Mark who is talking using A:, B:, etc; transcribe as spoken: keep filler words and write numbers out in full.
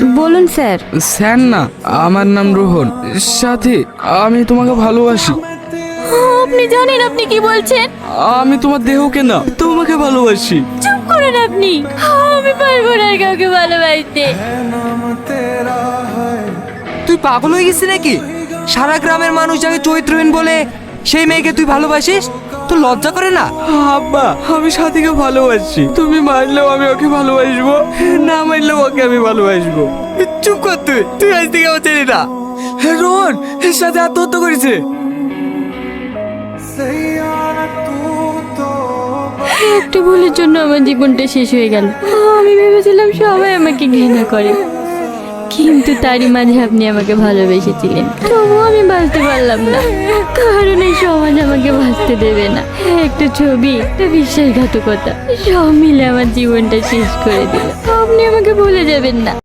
A: বলুন sir.
B: Sir না, আমার নাম রোহন। সাথী, আমি তোমাকে ভালোবাসি।
A: আপনি জানেন আপনি কি বলছেন?
B: আমি তোমার দেহকে না, তোমাকে ভালোবাসি।
A: চুপ করুন আপনি। আমি পারবো না আর কাউকে ভালোবাসতে।
C: তুই পাগল হয়ে গেছিস নাকি? সারা গ্রামের মানুষ যাকে চরিত্রহীন বলে, সেই মেয়েকে তুই ভালোবাসিস? তোর লজ্জা করে না?
B: আব্বা, আমি সাথীকে ভালোবাসি। তুমি মারলেও আমি ওকে ভালোবাসবো, না মারলেও ওকে আমি ভালোবাসবো।
C: চুপ কর তুই। তুই আজ থেকে আমার চেনি না।
B: রোহন এর সাথে আত্মহত্যা করেছে।
A: একটা ভুলের জন্য আমার জীবনটা শেষ হয়ে গেল। আমি ভেবেছিলাম সবাই আমাকে ঘৃণা করে, কিন্তু তারই মাঝে আপনি আমাকে ভালোবেসেছিলেন। তবুও আমি বাঁচতে পারলাম না, কারণ এই সমাজ আমাকে বাঁচতে দেবে না। একটা ছবি, একটা বিশ্বাসঘাতকতা, সব মিলে আমার জীবনটা শেষ করে দিল। আপনি আমাকে ভুলে যাবেন না।